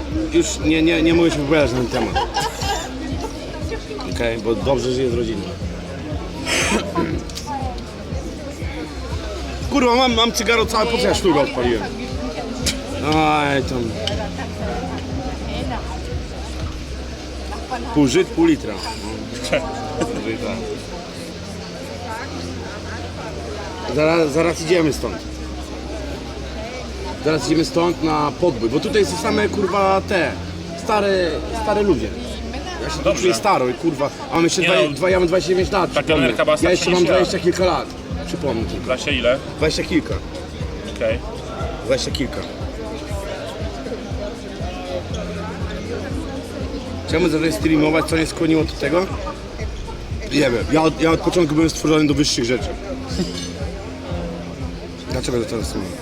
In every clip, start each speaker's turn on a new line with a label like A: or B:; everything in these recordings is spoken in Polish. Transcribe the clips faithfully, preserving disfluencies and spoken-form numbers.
A: już nie, nie, nie mogę się wypowiadać na ten temat. Okej, okay, bo dobrze żyję z rodziną. Kurwa, mam, mam cygaro całe, po co ja sztukę odpaliłem? Aj, tam... Pół żyt, pół litra. Zaraz, zaraz idziemy stąd. Zaraz idziemy stąd na podbój, bo tutaj są same kurwa te stare, stare ludzie. Ja się tu czuję staro i kurwa, a mam jeszcze
B: Nie
A: dwa,
B: no,
A: dwa, ja mam dwadzieścia dziewięć lat.
B: ta kelnerka była
A: Ja jeszcze mam
B: starsza niż
A: dwadzieścia kilka lat. Przypomnę tylko.
B: Właśnie ile?
A: Dwadzieścia kilka.
B: Okej.
A: Dwadzieścia kilka. Chciałbym zacząć streamować, co mnie skłoniło do tego? Nie wiem, ja od, ja od początku byłem stworzony do wyższych rzeczy. Dlaczego zacząłem streamować?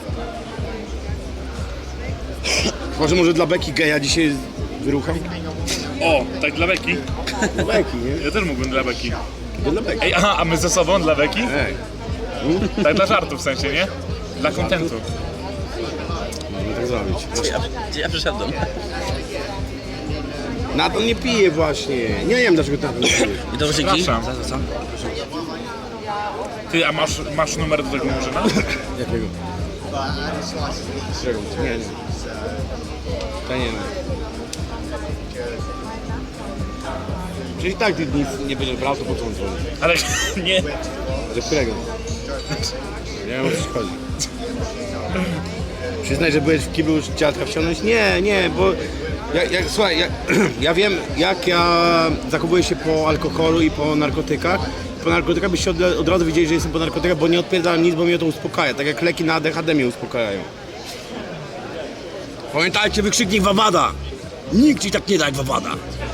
A: Może może dla beki geja dzisiaj wyrucham?
B: O, tak dla beki.
A: Dla beki, nie?
B: Ja też mógłbym dla beki.
A: To dla beki.
B: Ej, aha, a my ze sobą dla beki?
A: Ej.
B: Tak dla żartu w sensie, nie? Dla kontentu.
A: Można tak zrobić.
C: Gdzie ja, gdzie ja przyszedłem?
A: Nathan nie pije właśnie. Nie wiem dlaczego Nathan nie pije.
C: I to dzięki?
B: Przepraszam.
C: Za, za co?
B: Ty, a masz, masz numer do tego murzyna?
A: Jakiego? Czego? Nie, nie. To nie wiem. Czyli tak ty nic nie będziesz brał, to po co on dzwoni?
B: Ale nie.
A: Do którego? Nie wiem o co ci chodzi. Przyznaj, że byłeś w kiblu już dziadka wciągnąć? Nie, nie, bo... Ja, ja, słuchaj, ja, ja wiem jak ja zachowuję się po alkoholu i po narkotykach. Po narkotykach byście od, od razu widzieli, że jestem po narkotykach, bo nie odpierdalam nic, bo mnie to uspokaja. Tak jak leki na A D H D mnie uspokajają. Pamiętajcie, wykrzyknik Wawada! Nikt ci tak nie da jak Wawada!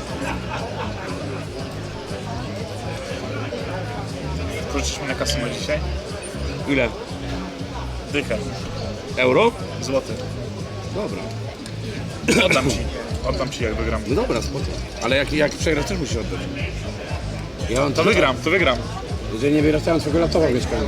B: Wrócisz mi na kasyno dzisiaj?
A: Ile?
B: Dychę.
A: Euro?
B: Złoty.
A: Dobra.
B: Oddam ci. Oddam ci jak wygram.
A: No dobra, spoko. Ale jak, jak przegrasz, też musisz oddać. Ja mam
B: To wygram, to wygram.
A: Jeżeli nie wyrastają twojego laptopa mieszkania.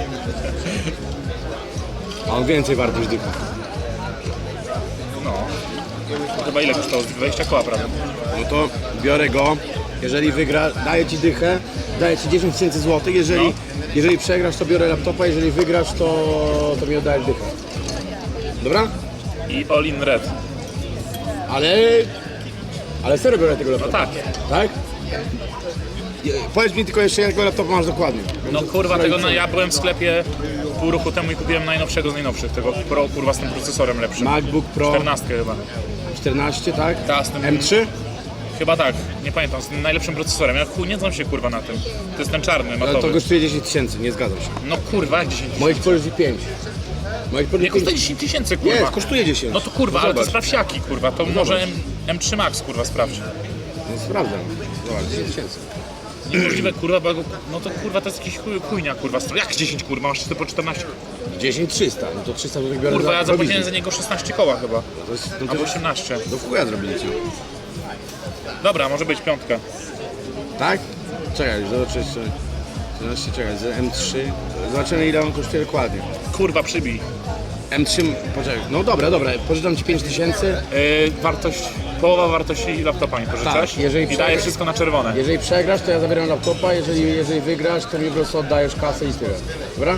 A: A on więcej wart niż dycha.
B: No. To chyba ile kosztowało? dwadzieścia koła prawie.
A: No to biorę go. Jeżeli wygra, daję ci dychę, daję ci dziesięć tysięcy złotych. Jeżeli,
B: No.
A: jeżeli przegrasz, to biorę laptopa. Jeżeli wygrasz, to, to mi oddajesz dychę. Dobra?
B: I all in red.
A: Ale... Ale serio biorę tego
B: No
A: laptopa.
B: tak.
A: Tak? Je- Powiedz mi tylko jeszcze, jakiego laptopa masz dokładnie.
B: No kurwa, tego no, ja byłem w sklepie pół roku temu i kupiłem najnowszego z najnowszych. Tego Pro, kurwa, z tym procesorem lepszym.
A: MacBook Pro
B: czternastkę chyba.
A: czternaście, tak?
B: Ta, z tym-
A: M trzy?
B: Chyba tak, nie pamiętam, z tym najlepszym procesorem. Ja chuj nie znam się kurwa na tym. To jest ten czarny,
A: Ale to
B: matowy.
A: kosztuje dziesięć tysięcy, nie zgadzam się.
B: No kurwa, jak dziesięć
A: Moich powiedz pięć. Moich
B: Nie
A: powiedz
B: kosztuje
A: pięć.
B: dziesięć tysięcy kurwa.
A: Nie, kosztuje dziesięć.
B: No to kurwa, ale to
A: Zobacz.
B: sprawdź jaki kurwa, to może M, M3 Max kurwa sprawdź.
A: No sprawdzam. Zobacz, dziesięć tysięcy.
B: Niemożliwe kurwa, bo no to kurwa to jest jakiś chuj, chujnia kurwa. Jak dziesięć kurwa, masz ty po czternaście?
A: dziesięć trzysta, no to trzysta złotych biorę
B: Kurwa,
A: za
B: ja zapłaciłem
A: prowizję.
B: za niego szesnaście koła chyba.
A: To jest, no to
B: Albo osiemnaście.
A: do chuja zrobili ci.
B: Dobra, może być piątka.
A: Tak? Czekaj, zobaczę jeszcze. Zobaczcie, czekaj, z M trzy. Zobaczymy ile on kosztuje dokładnie.
B: Kurwa, przybij.
A: M trzy, poczekaj, no dobra, dobra, pożyczam ci pięć tysięcy.
B: Yy, wartość, połowa wartości laptopa mi pożyczasz
A: Tak, jeżeli
B: i daję
A: przegrasz-
B: wszystko na czerwone.
A: Jeżeli przegrasz, to ja zabieram laptopa, jeżeli, jeżeli wygrasz, to mi po prostu oddajesz kasę i tyle. Dobra?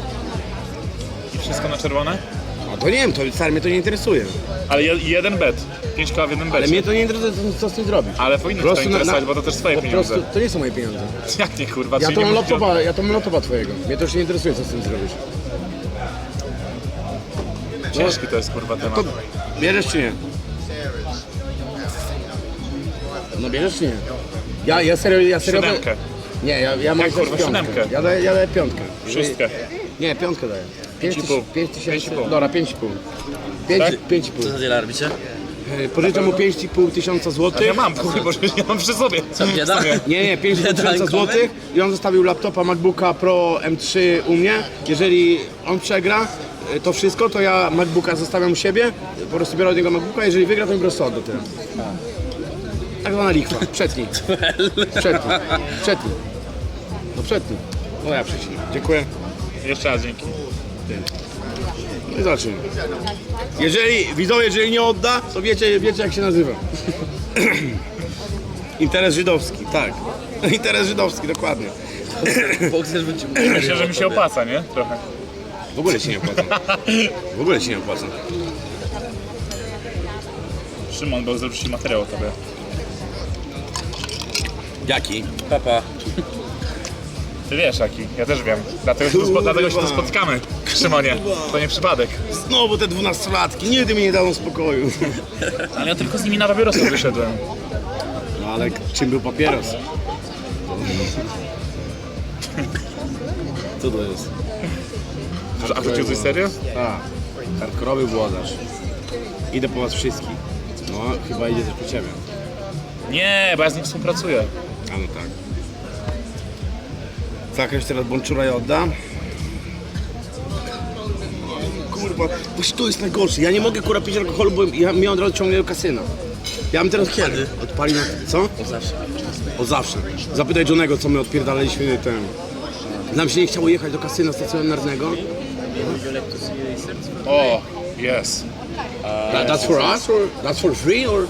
B: I wszystko na czerwone?
A: A to nie wiem, to stary, mnie to nie interesuje.
B: Ale je, jeden bet. pięć koła w jednym
A: Ale
B: becie.
A: mnie to nie interesuje, co, co z tym zrobić.
B: Ale powinno
A: Po
B: cię to
A: prostu na-
B: interesować,
A: na-
B: bo to też twoje
A: Po
B: pieniądze.
A: prostu to nie są moje pieniądze.
B: Jak nie kurwa,
A: Ja
B: czyli
A: to
B: nie
A: mam
B: musisz-
A: laptopa, ja to mam laptopa twojego. Mnie to już nie interesuje, co z tym zrobisz.
B: Ciężki to jest kurwa temat.
A: To bierzesz czy nie? No bierzesz czy nie? Ja, ja serio, ja serio...
B: Siódemkę.
A: Nie, ja, ja mam
B: Jak,
A: też
B: kurwa,
A: piątkę.
B: siódemkę?
A: Ja daję, ja daję piątkę.
B: Szóstkę.
A: Nie, piątkę daję.
B: Pięć i pół.
A: Pięć tysięcy,
B: Pięć i pół.
A: dobra, pięć i pół. Pięć,
B: Tak?
A: pięć i pół.
C: Co za deala robicie?
A: E, Pożyczam mu pięć i pół tysiąca złotych.
B: Ja mam, kurwa, bo ja mam przy sobie.
C: Co, bieda?
A: Nie, nie, pięć
C: Bieda
A: tysięcy
C: inkomy?
A: złotych i on zostawił laptopa MacBooka Pro M trzy u mnie. Jeżeli on przegra e, to wszystko, to ja MacBooka zostawiam u siebie, po prostu biorę od niego MacBooka, jeżeli wygra, to mi po prostu odda tyle. Tak zwana lichwa, przetnij. Przetnij, przetnij. No przetnij. No ja przetnij. Dziękuję.
B: Jeszcze raz dzięki.
A: No I zobaczymy. Jeżeli, widzowie, jeżeli nie odda, to wiecie, wiecie jak się nazywa. Interes żydowski, tak. Interes żydowski, dokładnie.
C: Bokser wrócił.
B: Myślę, że mi się opłaca, nie? Trochę.
A: W ogóle się nie opłaca. W ogóle się nie opłaca.
B: Szymon, bo zrobił materiał o tobie.
A: Jaki?
C: Papa.
B: Ty wiesz jaki, ja też wiem. Dlatego się tu, spo, dlatego się tu spotkamy, Szymonie. To nie przypadek.
A: Znowu te dwunastolatki, nigdy mi nie dało spokoju.
B: Ale ja tylko z nimi na papierosy wyszedłem.
A: No ale czym był papieros? Co to jest?
B: A wrócił coś serio?
A: Tak. Hardkorowy włodarz. Idę po was wszystkich. No, chyba idzie też po ciebie.
B: Nie, bo ja z nim współpracuję.
A: A no tak. Zakręć teraz Bonczura i odda. Kurwa, właśnie to jest najgorsze. Ja nie mogę kurwa pić alkoholu, bo ja mnie od razu ciągnie do kasyna. Ja bym teraz
C: Kiedy?
A: odpalił na... Co?
C: O zawsze.
A: Od zawsze. Zapytaj Johnego, co my odpierdalaliśmy ten... Nam się nie chciało jechać do kasyna stacjonarnego.
B: O, yes.
A: That, that's for us or that's for free or...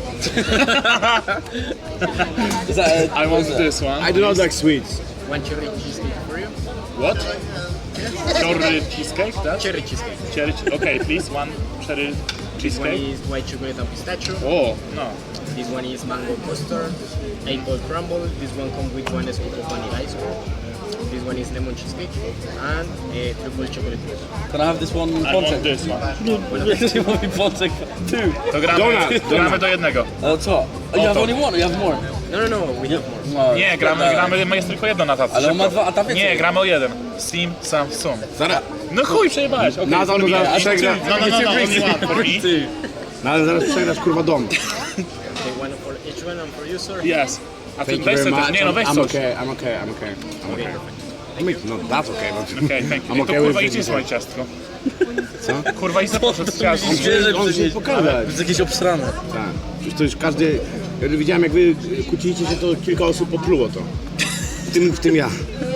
B: I want this one.
A: I do not like sweets.
D: One cherry cheesecake for you.
B: What? Cherry cheesecake, tak?
D: Cherry cheesecake.
B: Cherry, okay, please, one cherry
D: This one
B: cheesecake.
D: is white chocolate and pistachio.
B: O, no.
D: This one is mango custard, apple crumble. This one comes with one scoop of vanilla ice cream. This one is lemon cheesecake and a triple chocolate mousse.
C: Can I have this one
B: I want
C: pączek?
B: this one.
C: Jak się mówi pączek? Two.
B: To gramy,
A: Donut,
B: gramy
A: donut.
B: do jednego.
C: Ale co? You have
B: to.
C: only one, you have more.
D: No, no, no, we have more.
C: No,
B: Nie, gramy,
C: dobra.
B: gramy, jest tylko jedno na tacy.
C: Ale on ma
B: szybko.
C: dwa, a tam więcej.
B: Nie, gramy o jeden. Sim, sam, sum.
A: Zaraz,
B: No chuj, przejebałeś. Okay,
A: Nadal
B: for me.
A: zaraz przegra.
B: No, no, no, no, only one for me.
A: No ale zaraz przegrasz kurwa dom.
D: Okay, one for each one and for you, sir.
B: Yes. A ty
A: Thank you
B: weź
A: very
B: sobie
A: much.
B: też, nie no, weź
A: I'm
B: coś.
A: okay, I'm okay, I'm okay. I'm okay. No that's okay. but-
B: Okej, thank you.
A: I'm
B: To
A: okay
B: kurwa
A: with
B: idź
A: it.
B: swoje ciastko.
A: Co?
B: Kurwa idź poszedł z ciastkiem.
C: Myślę,
A: On się pokazać.
C: To jest jakieś obsrane.
A: Tak. Przecież to już każdy... Ja widziałem jak wy kłóciliście się, to kilka osób popluło to. W tym, w tym ja.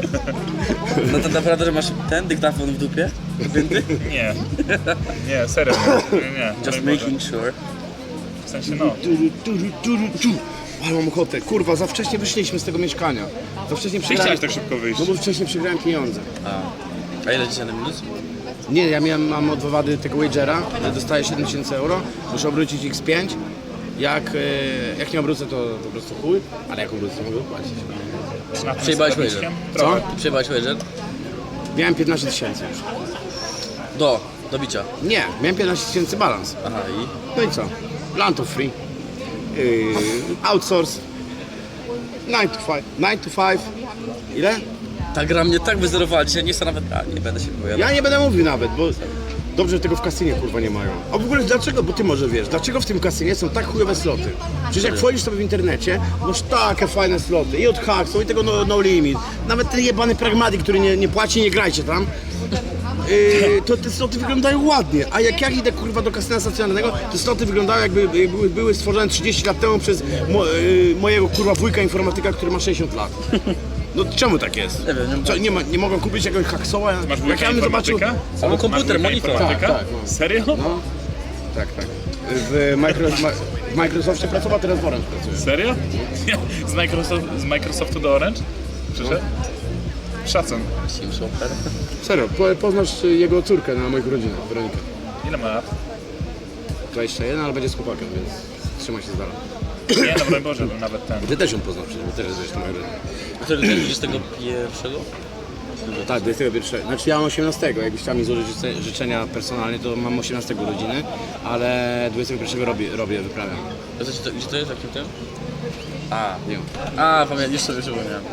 C: No to naprawdę, że masz ten dyktafon w dupie? Wypięty?
B: Nie. Nie, serio. Nie, nie. nie.
C: Just
B: Broń
C: making sure.
B: Boże. W sensie no.
A: Turu, turu, turu, tu. Ale mam ochotę. Kurwa, za wcześnie wyszliśmy z tego mieszkania. Za wcześnie
B: Ty
A: przegrałem...
B: chciałeś tak szybko wyjść.
A: No bo wcześniej przegrałem pieniądze.
C: A. A ile dzisiaj na minus?
A: Nie, ja miałem, mam od wywady tego wagera, dostaję siedem tysięcy euro, muszę obrócić iks pięć. Jak, e, jak nie obrócę, to po prostu chuj, ale jak obrócę, to mogę płacić.
B: Na tym
C: Przejebałeś
B: sklepniczkiem?
C: wager.
B: Trochę.
C: Ty przejebałeś wager?
A: Miałem piętnaście tysięcy już.
C: Do, do bicia.
A: Nie, miałem piętnaście tysięcy balans.
C: Aha i?
A: No i co? Plan to free. Yy, outsource. nine to five. nine to five. Ile?
C: Ta gra mnie tak wyzerowała dzisiaj, nie chcę nawet... A, nie będę się wypowiadał.
A: Ja nie będę mówił nawet, bo dobrze, że tego w kasynie kurwa nie mają. A w ogóle dlaczego, bo ty może wiesz, dlaczego w tym kasynie są tak chujowe sloty? Przecież jak wchodzisz sobie w internecie, masz takie fajne sloty i od Hacksaw i tego no, no Limit. Nawet ten jebany Pragmatic, który nie, nie płaci, nie grajcie tam. Yy, to te sloty wyglądają ładnie, a jak ja idę kurwa do kasyna stacjonarnego, te sloty wyglądają jakby, jakby były stworzone trzydzieści lat temu przez mo, yy, mojego kurwa wujka informatyka, który ma sześćdziesiąt lat. No czemu tak jest?
C: Nie wiem, nie
A: Co, nie, ma, nie mogą kupić jakiegoś Hacksawa?
B: Masz
A: Jak
B: wujka
A: ja bym zobaczył...
B: informatyka?
C: Albo komputer,
B: Masz wujka
C: monitor.
B: informatyka?
A: Tak, tak, no.
B: Serio?
A: No, tak, tak. W, Micro, w Microsoftie pracował, teraz w Orange pracuje.
B: Serio? Z, Microsoft, z Microsoftu do Orange? Przyszedł? Szacun.
C: Sim Software.
A: Serio, po, poznasz jego córkę na moich rodzinach, Weronikę.
B: Ile ma lat?
A: dwadzieścia jeden, ale będzie z chłopakiem, więc trzymaj się z dala.
B: Nie, no broń Boże, bym nawet ten.
A: Ty też ją poznasz przecież, bo też jesteś moja rodzina.
C: Który jest dwudziestego pierwszego?
A: Tak, dwudziestego pierwszego. Znaczy ja mam osiemnastego, jakbyś chciał mi złożyć życe- życzenia personalnie, to mam osiemnastego urodziny, ale dwudziestego pierwszego robię, robię wyprawiam.
C: A co, gdzie to jest? Jakim tym? A,
A: Nie wiem.
C: a pamiętam, już sobie przypomniałem.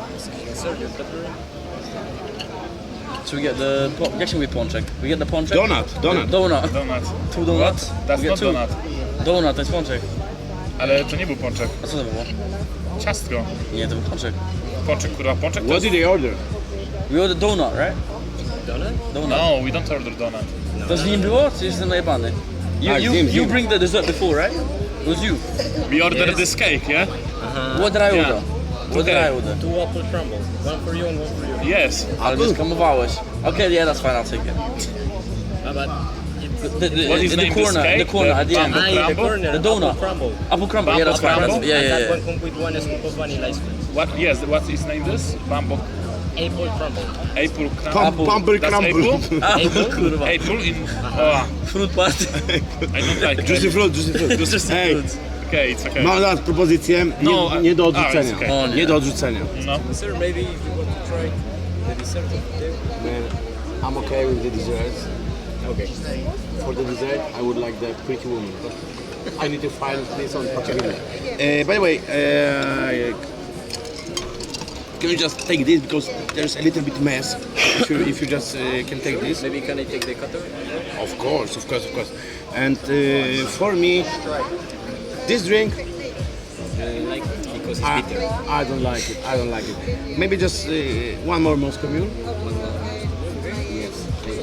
C: So we get the, po- jak się mówi pączek? We get the pączek?
A: Donut, donut.
C: Donut.
B: Donut.
C: Two donuts?
B: That's
C: We get
B: not
C: two.
B: donut.
C: Donut, to jest pączek.
B: Ale to nie był pączek.
C: A co to było?
B: Ciastko.
C: Nie, to był pączek.
B: Pączek, kurwa, pączek to
A: What
B: jest...
A: did they order?
C: We ordered donut, right?
D: Donut?
C: Donut.
B: No, we don't order donut.
C: To z nim było, czy jestem najebany? You,
A: Tak,
C: you,
A: z nim, z
C: you
A: nim.
C: bring the dessert before, right? It was you.
B: We order
C: Yes.
B: this cake, yeah?
C: What did I
B: Yeah.
C: order? What did
B: Okay.
C: I order?
D: Two apple crumbles. One for you and one for you.
B: Yes.
C: Ale mnie skamowałeś. Okay, yeah, that's fine, I'll take it.
D: Uh, but
C: The, the,
B: What is
C: the,
B: name?
C: the
B: This
C: corner,
B: cake?
C: the corner
B: The
C: at the end.
B: bamboo
D: ah, in the
B: crumble?
D: corner,
C: The donut.
D: apple crumble.
C: Apple crumble, yeah, that's fine.
B: Crumble?
C: That's, yeah,
D: and
C: yeah,
D: that
C: yeah.
D: one comes with one scoop of vanilla ice cream.
B: What? Yes. What is name? This bamboo
D: Apple crumble.
B: apple crumble.
A: Pum,
C: Apple.
A: Pumble
B: That's
A: crumble.
B: apple?
C: Apple, kurwa.
B: Apple in. Oh,
C: Fruit party.
B: I don't like
A: Juicy
B: it.
A: fruit, juicy fruit.
C: Juicy
A: Ej,
C: fruit.
B: Okay, it's okay.
A: mam dla was propozycję, nie,
B: No,
A: nie do
B: a-
A: odrzucenia.
B: a, it's okay.
C: O nie.
A: Nie do odrzucenia.
B: No.
D: Sir, maybe if you want to try the dessert of the day.
A: Man, I'm okay with the desserts.
D: Okay.
A: For the dessert, I would like the pretty woman. I need to find this on Pachavina. Uh, by the way, uh, can you just take this because there's a little bit mess. If you, if you just uh, can take this.
D: Maybe can I take the cutter?
A: Of course, of course, of course. And uh, for me, this drink,
D: Uh, like because it's
A: I,
D: bitter.
A: I don't like it. I don't like it. Maybe just uh, one more Moscow Mule. Yes.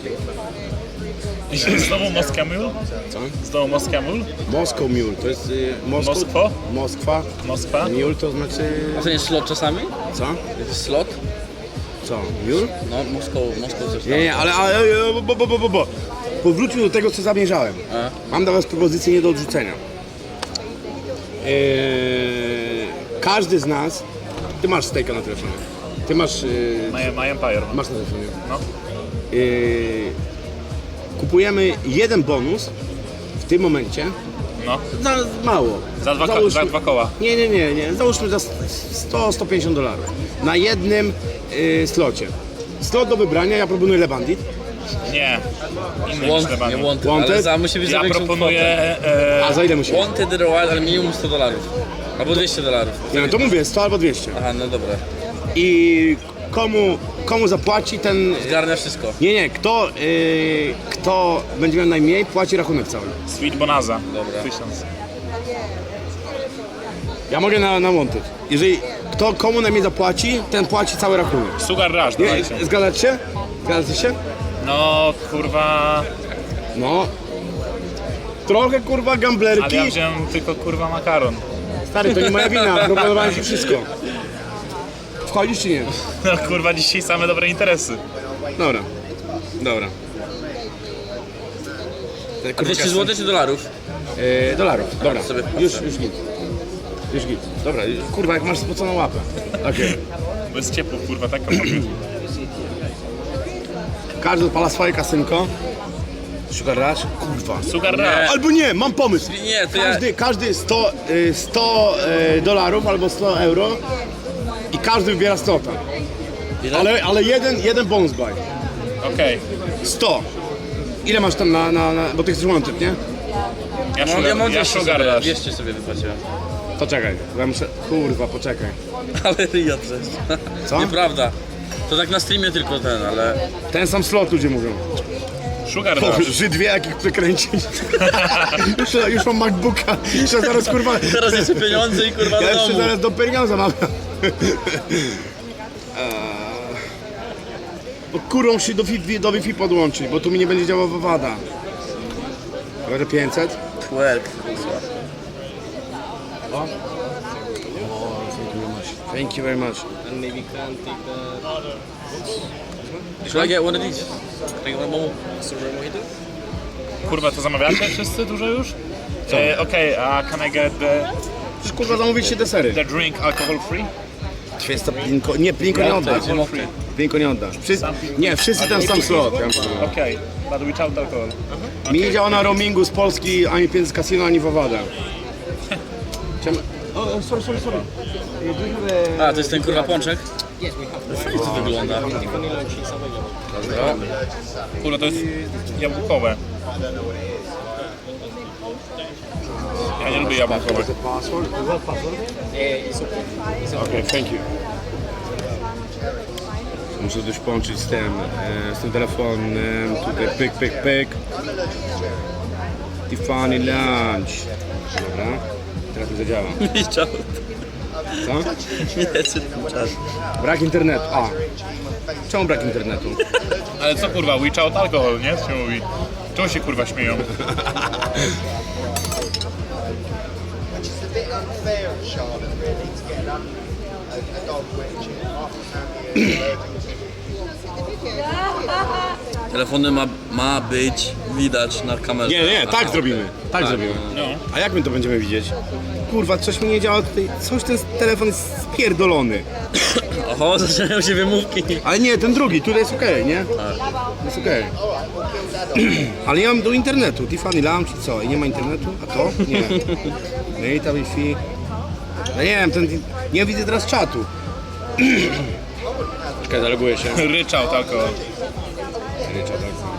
B: Znowu Moscow Mule?
A: Co?
B: Znowu Moscow Mule?
A: Moscow Mule, to jest y, Moskwa.
B: Moskwo?
A: Moskwa.
B: Moskwa?
A: Mule to znaczy...
C: A to nie jest slot czasami?
A: Co?
C: Jest slot?
A: Co? Mule?
C: No, Moskwa, Moskwa coś tam.
A: Nie, nie, ale, ale ale- bo, bo, bo, bo, bo. Powróćmy do tego, co zamierzałem.
C: A?
A: Mam dla was propozycję nie do odrzucenia. Eee, każdy z nas... Ty masz stejka na telefonie. Ty masz... Yy,
B: My, my Empire.
A: masz na telefonie.
B: No.
A: Yy, kupujemy jeden bonus w tym momencie.
B: No.
A: Za mało.
B: Za dwa, ko-
A: Załóżmy-
B: za dwa koła.
A: Nie, nie, nie, nie. Załóżmy za sto do stu pięćdziesięciu dolarów. Na jednym yy, slocie. Slot do wybrania, ja proponuję Le Bandit.
B: Nie. Inny
C: Want,
B: niż
C: nie
B: Lebanon.
C: wanted,
A: Wanted?
C: ale za, musi być za
B: Ja
C: większą
B: proponuję...
C: kwotę.
B: E,
A: A za ile musi?
C: Wanted Royal, ale minimum sto dolarów. Albo dwieście dolarów.
A: Nie, no to mówię, sto albo dwieście.
C: Aha, no dobra.
A: I komu, komu zapłaci ten...
C: Zgarnia wszystko.
A: Nie, nie, kto, yy, kto będzie miał najmniej, płaci rachunek cały.
B: Sweet Bonaza.
C: Dobra.
B: Tysiąc.
A: Ja mogę na, na Wanted. Jeżeli kto komu najmniej zapłaci, ten płaci cały rachunek.
B: Sugar Rush,
A: Nie,
B: dawajcie.
A: zgadzacie się? Zgadzacie się?
B: No, kurwa...
A: No. Trochę kurwa
B: Ale
A: gamblerki.
B: ja wziąłem tylko, kurwa, makaron.
A: Stary, to nie moja wina, proponowałem ci wszystko. Wchodzisz czy nie?
B: No, kurwa, dzisiaj same dobre interesy.
A: Dobra. Dobra. Te kurwa
C: dwieście
A: kasy-
C: złotych czy dolarów?
A: Yy, dolarów, dobra.
C: sobie
A: Już, już git. Już git. Dobra, kurwa, jak masz spoconą łapę. Okej.
B: Bo jest ciepło, kurwa, tak?
A: Każdy odpala swoje kasynko. Sugar Rush? Kurwa.
B: Sugar Rush.
A: Albo nie, mam pomysł.
C: Nie, to ja...
A: Każdy, każdy sto, y, sto y, dolarów albo sto euro i każdy wybiera stota.
C: Ile?
A: Ale, ale jeden, jeden bonus buy.
B: Okej.
A: sto. Ile masz tam na, na, na bo ty chcesz wanted, nie?
B: Ja
C: No,
B: sugar,
C: ja mam
B: ja
C: dwieście
B: sugar
C: sobie,
B: Rush.
C: dwieście sobie wypłaciłem.
A: To czekaj, bo ja muszę, kurwa, poczekaj.
C: Ale ryja też.
A: Co?
C: Nieprawda. To tak na streamie tylko ten, ale...
A: Ten sam slot ludzie mówią.
B: Sugar
A: O,
B: Rush.
A: Żyd wie jak ich przekręcić. już, już mam MacBooka, jeszcze zaraz kurwa...
C: Teraz jeszcze pieniądze i kurwa
A: Ja
C: do
A: jeszcze
C: domu.
A: zaraz do pieniądza mam. Bo kurą się do Wi-Fi, do Wi-Fi podłączyć, bo tu mi nie będzie działała wada. Może pięćset?
C: Twerk.
A: O. Thank you very much.
D: And maybe can take the
C: Should I get one of these? Can I get one more?
D: strawberry mojito.
B: Kurwa, to zamawiacie wszyscy dużo już? E, Okej, a can I get the,
A: Już kurwa zamówić się desery.
B: the drink alcohol free?
A: Święta plinko, nie, plinko nie oddasz.
B: Alcohol free.
A: Plinko nie oddasz. Wszyscy, nie, wszyscy ten sam slot. Ja muszę powiedzieć.
B: Okej, but without alcohol.
A: Mi nie działa na roamingu z Polski ani pieniędzy z casino, ani w Owadę. Chciałem... O, o, sorry, sorry, sorry.
C: A, to jest ten kurwa pączek?
D: Yes, we have
C: Fajnie to wygląda.
D: the vanilla cheese available.
C: Dobra.
B: Kurwa, to jest jabłkowe. Ja nie lubię jabłkowych.
A: Password?
D: Uh, it's okay. It's okay.
A: Okej, thank you. Muszę coś połączyć z tym, e, z tym telefonem, tutaj pyk, pyk, pyk. Tiffany Lunch. Dobra, teraz to zadziała.
C: Widział.
A: Co?
C: Nie, czy czas.
A: Brak internetu. A. Czemu brak internetu?
B: Ale co kurwa, without alcohol, nie? Co się mówi? Czemu się kurwa śmieją?
E: Which is a bit unfair of Charlotte, really, to get um, a, a dog which after family is allergic to.
C: Telefony ma, ma być widać na kamerze.
A: Nie, nie,
C: Aha,
A: tak
C: okej.
A: zrobimy. Tak zrobimy.
B: No.
A: A jak my to będziemy widzieć? Kurwa, coś mi nie działa tutaj. Coś ten telefon jest spierdolony.
C: Oho, zaczynają się wymówki.
A: Ale nie, ten drugi, tutaj jest okej, nie? Jest okej. Ale nie mam do internetu. Tiffany Lounge i co? I nie ma internetu? A to? Nie. Data, Wi-Fi. No nie wiem, ten, nie widzę teraz czatu. Czekaj, zaloguję się.
B: Ryczałt alkohol.
A: Ryczałt, tak.